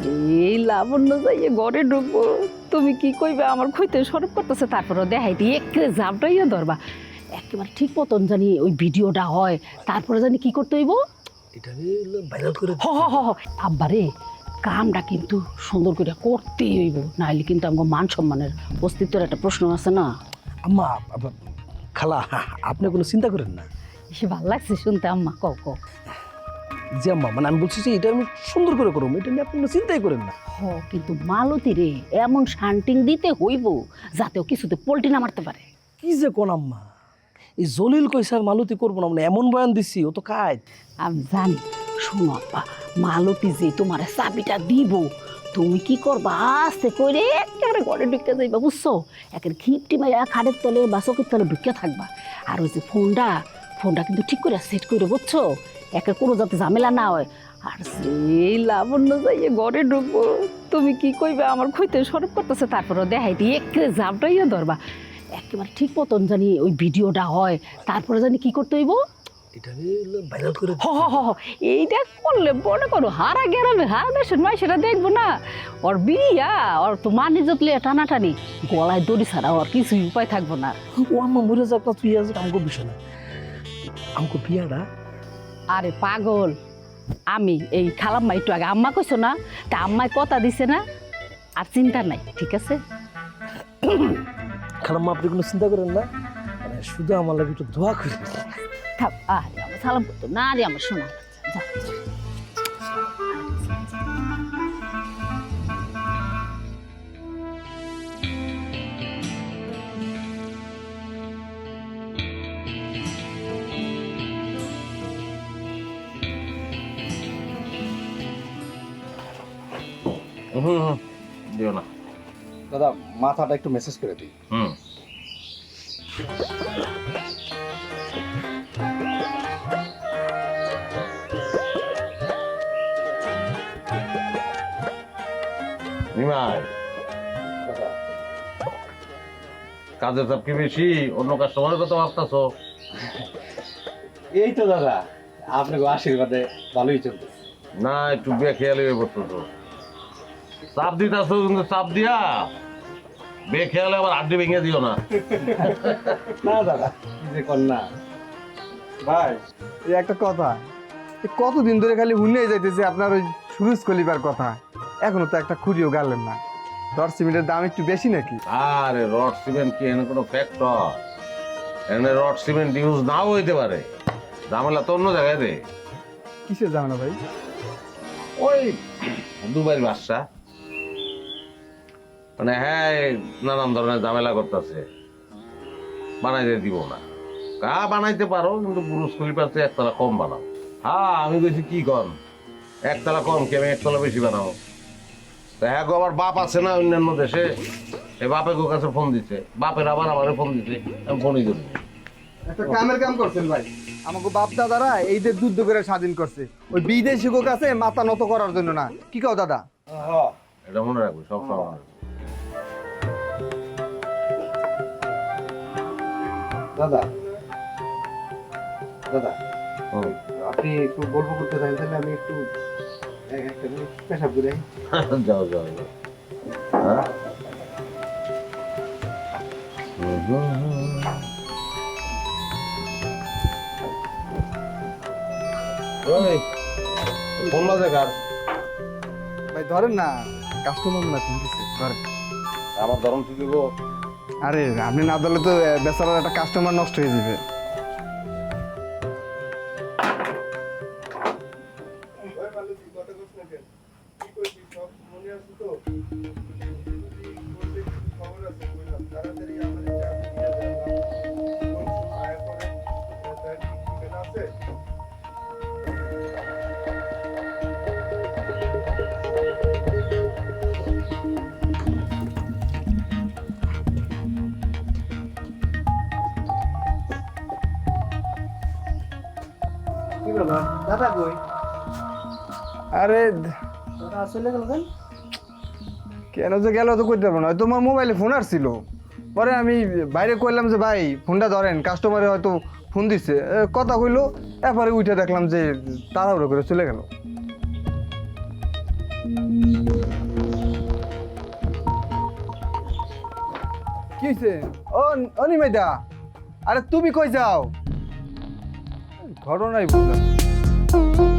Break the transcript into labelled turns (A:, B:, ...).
A: এই লাবণ্য যাইয়ে ঘরে ঢুকবো, তুমি কি কইবে আমার খুঁজতে সরব করতেছে, তারপরে দেখাই দিয়ে একেবারে জাপটাইয়া ধরবা, একেবারে ঠিক মতন জানি ওই ভিডিওটা হয়, তারপরে জানি কি করতে হইব।
B: এটা ভাইরাল করে
A: হ হ হ হ। আব্বারে কামটা কিন্তু সুন্দর করে করতেই হইব, নাহলে কিন্তু আমার মান সম্মানের অস্তিত্বের একটা প্রশ্ন আছে না।
B: আম্মা খালা আপনি কোনো চিন্তা করেন না।
A: সে ভালো লাগছে শুনতে আম্মা, কও কও।
B: জি আম্মা, মানে আমি বলছি যে এটা আমি সুন্দর করে করবো, এটা নিয়ে আপনি কোনো চিন্তাই করেন না।
A: হ, কিন্তু মালতী রে এমন শান্টিং দিতে হইব যাতে ও কিছুতে পোল্টি না মারতে পারে।
B: কি যে কোন আম্মা, এই জলিল কইসার মালতি করবো না, মানে এমন বয়ান দিছি ও তো কাজ।
A: আমি জানি, শোনো আব্বা, মালতী যে তোমার চাবিটা দিব, তুমি কি করবা আস্তে করে একেবারে ঘরে ঢুকে যাইবা, বুঝছো? একের খিপটি মাইয়া খাটের তলে বা চোখের তলে ঢুকে থাকবা। আর ওই যে ফোনটা কিন্তু ঠিক করে সেট করে, বুঝছো? একের কোনো যাতে ঝামেলা না হয়। আর সেই লাবণ্য যাইয়ে ঘরে ঢুকবো, তুমি কি কইবে আমার খুঁজতে সরব করতেছে, তারপরে দেখাই দিয়ে একেবারে জাপটাইয়া ধরবা, একেবারে ঠিক মতন জানি ওই ভিডিওটা হয়, তারপরে জানি কি করতে হইব।
B: এটা ভাইরাল করে
A: হ হ হ হ। এইটা করলে মনে করো হারা গেরামে হারা দেশের মাই সেটা দেখবো না। ওর বিয়া ওর তো মানি জতলে টানাটানি, গলায় দড়ি ছাড়া ওর কিছুই উপায় থাকবো না।
B: ও আম্মা মরে যাক না, তুই আজ আমাকে বিষয় না, আমাকে বিয়াটা।
A: আরে পাগল, আমি এই খালাম্মা একটু আগে আম্মা কইছো না, তা আম্মায় কথা দিছে না, আর চিন্তা নাই, ঠিক আছে?
B: খালাম্মা আপনি কোনো চিন্তা করেন না, মানে শুধু আমার লাগে একটু দোয়া করে
A: থাক, আরে আমার সালাম করতো না, আরে আমার শোনা যা।
C: দিও না
D: দাদা, মাথাটা একটু মেসেজ করে দিই।
C: নিমাই,
D: দাদা,
C: কাজের চাপ কি বেশি? অন্য কাস্টমারের কথা ভাবতেছো?
D: এই তো দাদা, আপনাকে আশীর্বাদে ভালোই চলতেছে।
C: না, একটু বেখেয়ালি হয়ে পড়তেছো। চাপ দিতেছো কিন্তু চাপ দিয়া বেখেয়ালে আবার আড্ডি ভেঙে দিও না।
D: না দাদা, কি যে কর না।
E: ভাই, এই একটা কথা, কতদিন ধরে খালি হুনেই যাইতেছে আপনার ওই সুরুজ কলিবার কথা, এখনো তো একটা খুঁড়িও গালেন না। দর সিমেন্টের দাম একটু বেশি নাকি?
C: আরে রড সিমেন্ট কি এখানে কোনো ফ্যাক্টর? এখানে রড সিমেন্ট ইউজ নাও হইতে পারে, ঝামেলা তো অন্য জায়গায় রে।
E: কিসের জানা ভাই?
C: ওই দুবাইয়ের বাদশা, মানে হ্যাঁ নানান ধরনের ঝামেলা করতেছে, বানাইতে দিব না। বানাইতে পারো কিন্তু বুরুজ খলিফার চেয়ে একতলা কম বানাও। হ্যাঁ আমি কইছি কি কম, একতলা কম কি আমি একতলা বেশি বানাবো? তা হ্যাঁ গো, আমার বাপ আছে না অন্যান্য দেশে, এই বাপের কাছে ফোন দিছে, বাপের আবার আমারে ফোন দিছে, আমি ফোনই করি।
E: একটা কামের কাম করছেন ভাই, আমাকে বাপ দাদারা এই যে যুদ্ধ করে স্বাধীন করছে, ওই বিদেশি কাছে মাথা নত করার জন্য না, কি কও দাদা?
C: এটা মনে রাখবো, সব সময় মনে রাখবো।
D: দাদা, দাদা,
C: হুম।
D: আপনি একটু গল্প করতে চান, তাহলে আমি একটু একটা মিনিট পেশাব করে আই।
C: যাও যাও যাও। হ্যাঁ? ওই, ফোন বাজে কার?
E: ভাই ধরেন না, কাস্টমার না ফোন দিছে, ধরেন।
C: আমার ধরন ঠিক গো।
E: আরে আপনি না ধরলে তো বেচারার একটা কাস্টমার নষ্ট হয়ে যাবে।
D: কি বাবা, দাদা কই?
E: আরে
D: দাদা চলে গেল কেন?
E: কেন যে গেল তো করতে পারবো না, তোমার মোবাইলে ফোন আসছিল, পরে আমি বাইরে কইলাম যে ভাই ফোনটা ধরেন, কাস্টমারে হয়তো ফোন দিচ্ছে, কথা কইলো, এরপরে উঠে দেখলাম যে তাড়াহুড়ো করে চলে গেল। কি হয়েছে? ও অনিমেদা, আরে তুমি কই যাও? ঘটনাই বুঝলাম না।